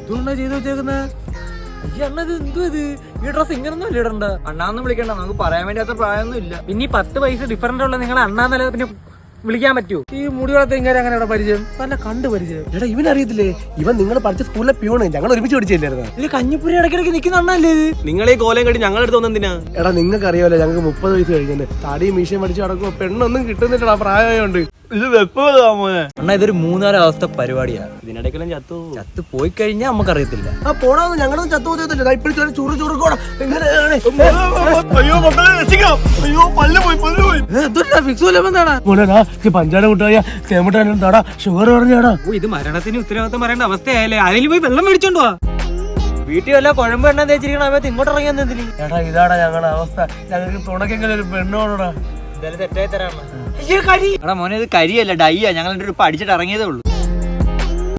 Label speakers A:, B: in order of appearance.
A: ഇതുകൊണ്ടാ ചെയ്ത് വെച്ചേക്കുന്നത്. അണ്ണത് എന്തോ ഇത്, ഈ ഡ്രസ് ഇങ്ങനൊന്നും അല്ല ഇടണ്ട.
B: അണ്ണാന്ന് വിളിക്കണ്ട, നമുക്ക് പറയാൻ വേണ്ടി അത്ര പ്രായമൊന്നും ഇല്ല.
A: പിന്നെ 10 പൈസ ഡിഫറന്റ് ഉള്ള നിങ്ങൾ അണ്ണാന്നല്ല പിന്നെ വിളിക്കാൻ പറ്റുമോ? ഈ മുടി വളർത്ത ഇങ്ങനെ അങ്ങനെ ഇവിടെ പരിചയം നല്ല കണ്ട് പരിചയം.
C: എടാ ഇവനറിയത്തില്ലേ, ഇവൻ നിങ്ങൾ പഠിച്ച സ്കൂളിലെ പ്യൂണ്, ഞങ്ങൾ ഒരുമിച്ച് പഠിച്ചില്ലായിരുന്നു.
A: ഇത് കഞ്ഞിപ്പുരി ഇടയ്ക്കിടയ്ക്ക് നിൽക്കുന്ന അണ്ണല്ലേ ഇത്?
B: നിങ്ങൾ ഈ കോലം കണ്ടി ഞങ്ങൾ എടുത്ത് വന്നെന്തിനാ?
C: എടാ നിങ്ങൾക്ക് അറിയാമല്ലോ, ഞങ്ങൾക്ക് 30 വയസ്സ് കഴിഞ്ഞു. താടിയും മീശയും പഠിച്ച് നടക്കുമ്പോ പെണ്ണൊന്നും കിട്ടുന്നില്ലടാ, പ്രായമായോണ്ട്.
B: ഇത് വെപ്പോനെ അണ്ണാ, ഇതൊരു 3-4 അവസ്ഥ പരിപാടിയാ. ഇതിനിടയ്ക്കെല്ലാം ചത്തു പോയി കഴിഞ്ഞാൽ നമുക്കറിയത്തില്ല.
C: ആ പോടാന്ന്, ഞങ്ങളൊന്നും ചത്തുപോകത്തില്ല. ഇപ്പോഴും ചുറു ചുറുക്കോടാ. പഞ്ചാര മുട്ടായ തേമുട്ടാനും താടാ ഷുഗർ പറഞ്ഞാടാ.
A: ഇത് മരണത്തിന് ഉത്തരവാദിത്തം പറയേണ്ട അവസ്ഥയായാലേ. അതിൽ പോയി വെള്ളം മേടിച്ചോണ്ട് പോവാ. വീട്ടിൽ വല്ല കുഴമ്പ് എണ്ണ തേച്ചിരിക്കണ സമയത്ത് ഇങ്ങോട്ട് ഇറങ്ങിയാൽ എന്തിന്?
C: എടാ ഇതാടാ ഞങ്ങളുടെ അവസ്ഥ. ഞങ്ങൾക്ക് തുണക്കെങ്കിലും ഒരു പെണ്ണോടാ.
A: എന്തായാലും തെറ്റായി തരാണ്.
B: എടാ മോനെ, ഇത് കരിയല്ല ഡൈയാ. ഞങ്ങൾ പഠിച്ചിട്ട് ഇറങ്ങിയതേ ഉള്ളൂ.